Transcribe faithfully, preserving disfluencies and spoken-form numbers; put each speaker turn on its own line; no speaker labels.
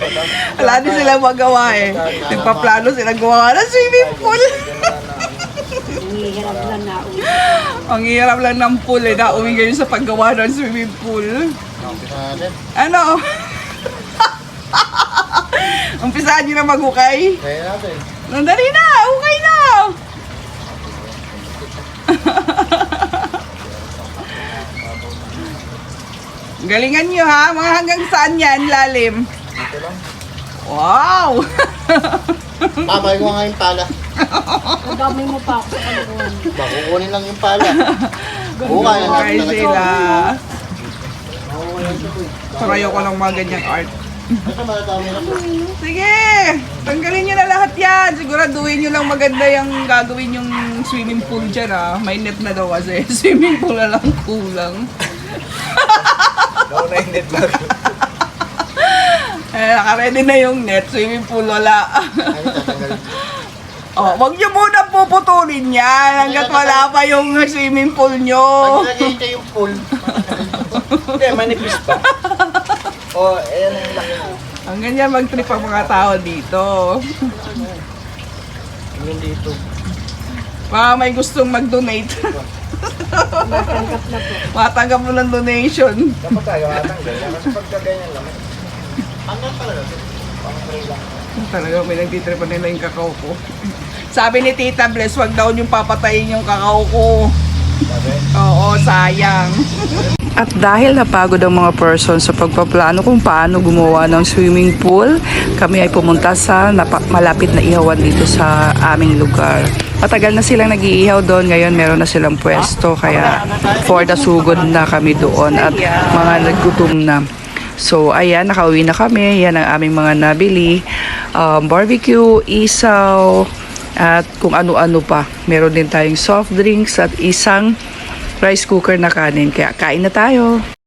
Wala din silang magawa eh. Nagpaplano sila gawa ng swimming pool.
Hirap lang na uwi.
Ang hirap lang ng pool eh. Nauwi ngayon sa paggawa ng swimming pool. Ano? Umpisaan nyo na maghukay?
Kaya natin.
Nandali na! Hukay na! Galingan nyo ha, mga hanggang saan yan, lalim?
Dito lang.
Wow!
Mamay ko nga yung pala.
Ang dami mo pa ako sa kalukuhan.
Makukunin lang yung pala. Oo, kaya
Okay
natin talaga.
sila.
Makukunin siya po eh.
Pero ayoko ng mga ganyang art.
Ito matatami na po.
Sige! Tanggalin nyo na lahat yan. Siguraduhin nyo lang maganda yung gagawin yung swimming pool dyan ah. May net na daw kasi. Swimming pool na lang kulang.
Ako na yung net bag.
Eh, naka-ready na yung net. Swimming pool wala.
Ano tatanggalin?
Oh, wag nyo muna puputulin yan hanggat wala pa yung swimming pool nyo.
Pag nagay niya yung pool. Hindi, manipis pa. O, ayan ang laki.
Ang ganyan mag-trip ang mga tao dito.
Yung dito.
Baka may gustong mag-donate.
Matanggap na po.
Matanggap mo ng donation.
Dapat tayo matanggal. Kasi pagka ganyan lang. Hanggang talaga. Pang-pray lang.
Talaga may nagtitripan nila yung kakao ko. Sabi ni Tita Bless, wag daw yung papatayin yung kakao ko.
Sabi?
Oo, sayang. At dahil napagod ang mga person sa pagpaplano kung paano gumawa ng swimming pool, kami ay pumunta sa napa- malapit na ihawan dito sa aming lugar. Matagal na silang nag-iihaw doon, ngayon meron na silang pwesto, kaya for the sugod na kami doon at mga naggutom na. So ayan, nakauwi na kami, yan ang aming mga nabili, um, barbecue, isaw, at kung ano-ano pa. Meron din tayong soft drinks at isang rice cooker na kanin. Kaya kain na tayo.